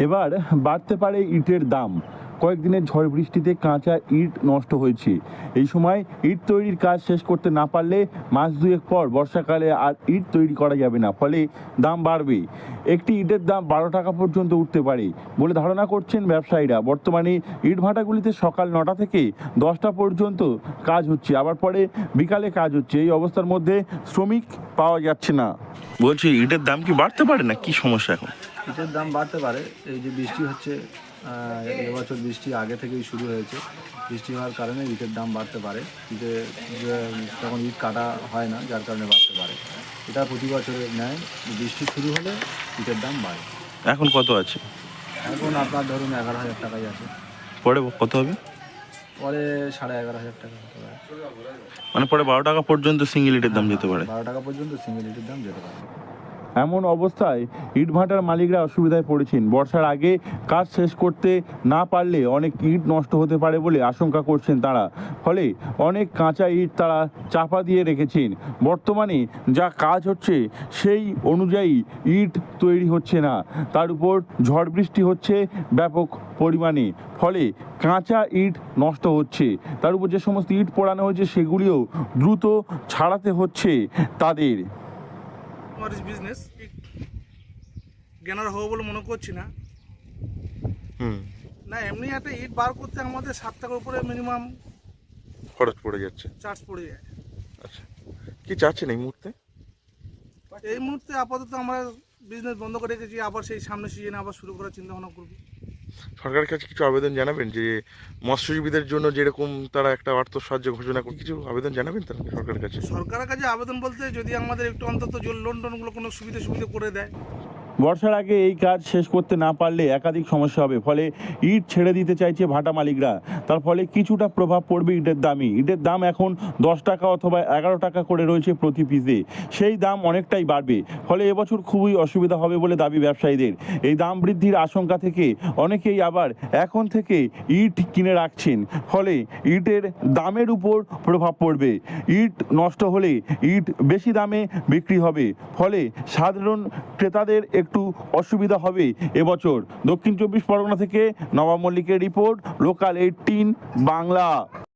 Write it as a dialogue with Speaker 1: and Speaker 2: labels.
Speaker 1: এবার বাড়তে পারে ইটের দাম। কয়েকদিনের ঝড় বৃষ্টিতে কাঁচা ইট নষ্ট হয়েছে। এই সময় ইট তৈরির কাজ শেষ করতে না পারলে মাস দুয়েক পর বর্ষাকালে আর ইট তৈরি করা যাবে না, ফলে দাম বাড়বে। একটি ইটের দাম 12 টাকা পর্যন্ত উঠতে পারে বলে ধারণা করছেন ব্যবসায়ীরা। বর্তমানে ইট ভাটাগুলিতে সকাল 9টা থেকে 10টা পর্যন্ত কাজ হচ্ছে, আবার পরে বিকালে কাজ হচ্ছে। এই অবস্থার মধ্যে শ্রমিক পাওয়া যাচ্ছে না। বলছি, ইটের দাম কি বাড়তে পারে না, কি সমস্যা এখন?
Speaker 2: ইটের দাম বাড়তে পারে। এই যে বৃষ্টি হচ্ছে, এবছর বৃষ্টি আগে থেকেই শুরু হয়েছে। বৃষ্টি হওয়ার কারণে ইটের দাম বাড়তে পারে। তখন ইট কাটা হয় না, যার কারণে বাড়তে পারে। এটা প্রতি বছরের ন্যায় বৃষ্টি শুরু হলে ইটের দাম বাড়ে।
Speaker 1: এখন কত আছে?
Speaker 2: এখন আপনার ধরুন 11,000 টাকাই আছে।
Speaker 1: পরে কত হবে?
Speaker 2: পরে 11,500 টাকা হতে পারে।
Speaker 1: মানে পরে 12 টাকা পর্যন্ত সিঙ্গেল ইটের দাম যেতে পারে।
Speaker 2: 12 টাকা পর্যন্ত সিঙ্গেল ইটের দাম যেতে পারে।
Speaker 1: এমন অবস্থায় ইটভাটার মালিকরা অসুবিধায় পড়েছেন। বর্ষার আগে কাজ শেষ করতে না পারলে অনেক ইট নষ্ট হতে পারে বলে আশঙ্কা করছেন তারা। ফলে অনেক কাঁচা ইট তারা চাপা দিয়ে রেখেছেন। বর্তমানে যা কাজ হচ্ছে সেই অনুযায়ী ইট তৈরি হচ্ছে না, তার উপর ঝড় বৃষ্টি হচ্ছে ব্যাপক পরিমাণে, ফলে কাঁচা ইট নষ্ট হচ্ছে। তার উপর যে সমস্ত ইট পোড়ানো হয়েছে সেগুলিও দ্রুত ছাড়াতে হচ্ছে তাদের।
Speaker 3: বিজনেস জ্ঞানার হবো বলে মনে করছি না। না, এমনি একটা ইট বার করতে আমাদের 7 টাকার উপরে মিনিমাম
Speaker 1: খরচ পড়ে যাচ্ছে,
Speaker 3: চার্জ পড়ে যায়।
Speaker 1: আচ্ছা, কি চাচ্ছেন এই মুহূর্তে?
Speaker 3: এই মুহূর্তে আপাতত আমরা বিজনেস বন্ধ করে রেখেছি, আবার সেই সামনে সিজনে আবার শুরু করার চিন্তা ভাবনা করবো।
Speaker 1: সরকারের কাছে কিছু আবেদন জানাবেন যে মৎস্যজীবীদের জন্য যেরকম তারা একটা অর্থ সাহায্য ঘোষণা করে, কিছু আবেদন জানাবেন তারা সরকারের কাছে?
Speaker 3: সরকারের কাছে আবেদন বলতে যদি আমাদের একটু অন্তত লোন টোনগুলো কোনো সুবিধা করে দেয়।
Speaker 1: বর্ষার আগে এই কাজ শেষ করতে না পারলে একাধিক সমস্যা হবে, ফলে ইট ছেড়ে দিতে চাইছে ভাটা মালিকরা। তার ফলে কিছুটা প্রভাব পড়বে ইটের দামই। ইটের দাম এখন 10 টাকা অথবা 11 টাকা করে রয়েছে প্রতি পিসে, সেই দাম অনেকটাই বাড়বে। ফলে এবছর খুবই অসুবিধা হবে বলে দাবি ব্যবসায়ীদের। এই দাম বৃদ্ধির আশঙ্কা থেকে অনেকেই আবার এখন থেকে ইট কিনে রাখছেন, ফলে ইটের দামের উপর প্রভাব পড়বে। ইট নষ্ট হলে ইট বেশি দামে বিক্রি হবে, ফলে সাধারণ ক্রেতাদের একটু অসুবিধা হবে এবছর। দক্ষিণ 24 পরগনা থেকে নবাব মল্লিকের রিপোর্ট, লোকাল 18 বাংলা।